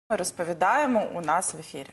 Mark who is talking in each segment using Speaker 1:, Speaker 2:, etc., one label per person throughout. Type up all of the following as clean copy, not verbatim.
Speaker 1: Ми розповідаємо у нас в ефірі.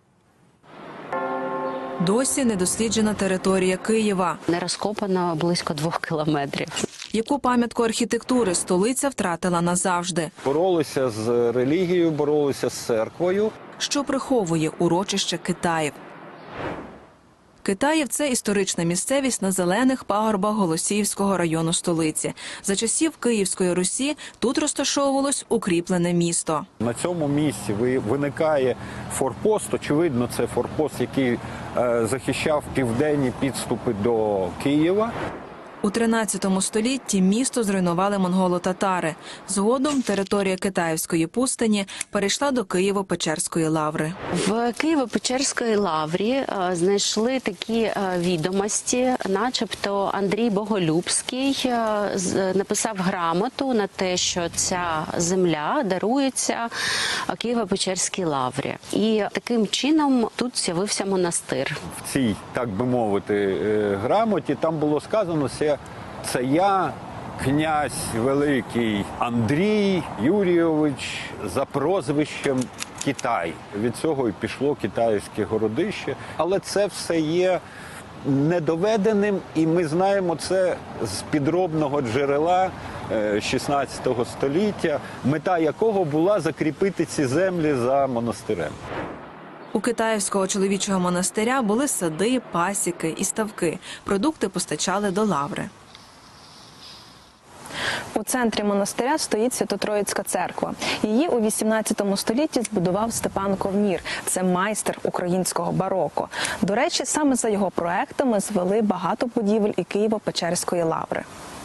Speaker 2: Досі недосліджена територія Києва.
Speaker 3: Не розкопано близько 2 кілометрів.
Speaker 2: Яку пам'ятку архітектури столиця втратила назавжди?
Speaker 4: Боролися з релігією, боролися з церквою.
Speaker 2: Що приховує урочище Китаїв? Китаїв – це історична місцевість на зелених пагорбах Голосіївського району столиці. За часів Київської Русі тут розташовувалось укріплене місто.
Speaker 4: На цьому місці виникає форпост. Очевидно, це форпост, який захищав південні підступи до Києва.
Speaker 2: У 13 столітті місто зруйнували монголо-татари. Згодом територія Китаївської пустині перейшла до Києво-Печерської лаври.
Speaker 3: В Києво-Печерській лаврі знайшли такі відомості, начебто Андрій Боголюбський написав грамоту на те, що ця земля дарується Києво-Печерській лаврі. І таким чином тут з'явився монастир.
Speaker 4: В цій, так би мовити, грамоті там було сказано, це я, князь великий Андрій Юрійович за прозвищем Китай. Від цього і пішло китайське городище. Але це все є недоведеним, і ми знаємо це з підробного джерела 16 століття, мета якого була закріпити ці землі за монастирем.
Speaker 2: У Китаївського чоловічого монастиря були сади, пасіки і ставки. Продукти постачали до лаври.
Speaker 5: У центрі монастиря стоїть Свято-Троїцька церква. Її у 18 столітті збудував Степан Ковнір. Це майстер українського бароко. До речі, саме за його проектами звели багато будівель і Києво-Печерської лаври.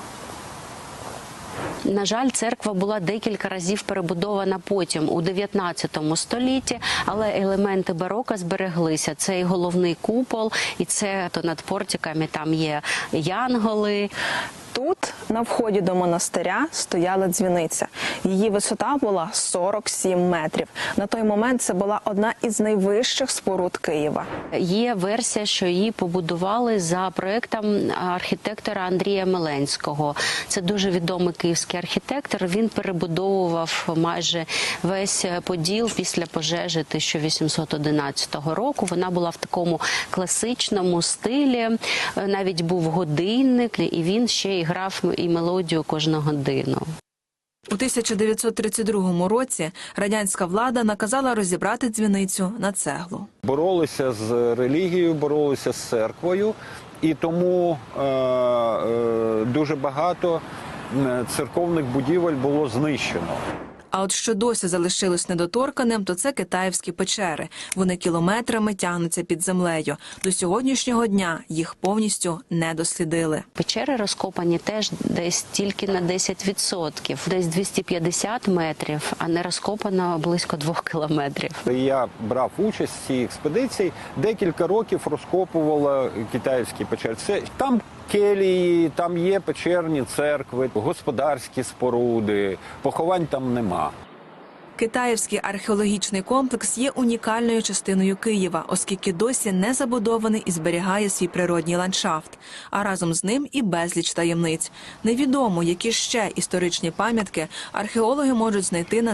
Speaker 3: На жаль, церква була декілька разів перебудована потім, у 19 столітті, але елементи бароко збереглися. Це і головний купол, і це над портиками там є янголи.
Speaker 5: Тут, на вході до монастиря, стояла дзвіниця. Її висота була 47 метрів. На той момент це була одна із найвищих споруд Києва.
Speaker 3: Є версія, що її побудували за проєктом архітектора Андрія Меленського. Це дуже відомий київський архітектор. Він перебудовував майже весь Поділ після пожежі 1811 року. Вона була в такому класичному стилі. Навіть був годинник, і він ще й грав і мелодію кожну годину.
Speaker 2: У 1932 році радянська влада наказала розібрати дзвіницю на цеглу.
Speaker 4: Боролися з релігією, боролися з церквою, і тому дуже багато церковних будівель було знищено.
Speaker 2: А от що досі залишилось недоторканим, то це китаївські печери. Вони кілометрами тягнуться під землею. До сьогоднішнього дня їх повністю не дослідили.
Speaker 3: Печери розкопані теж десь тільки на 10%, десь 250 метрів, а не розкопано близько 2 кілометрів.
Speaker 4: Я брав участь в цій експедиції, декілька років розкопувала китайські печери. Там келії, там є печерні церкви, господарські споруди, поховань там нема.
Speaker 2: Китаївський археологічний комплекс є унікальною частиною Києва, оскільки досі не забудований і зберігає свій природній ландшафт. А разом з ним і безліч таємниць. Невідомо, які ще історичні пам'ятки археологи можуть знайти на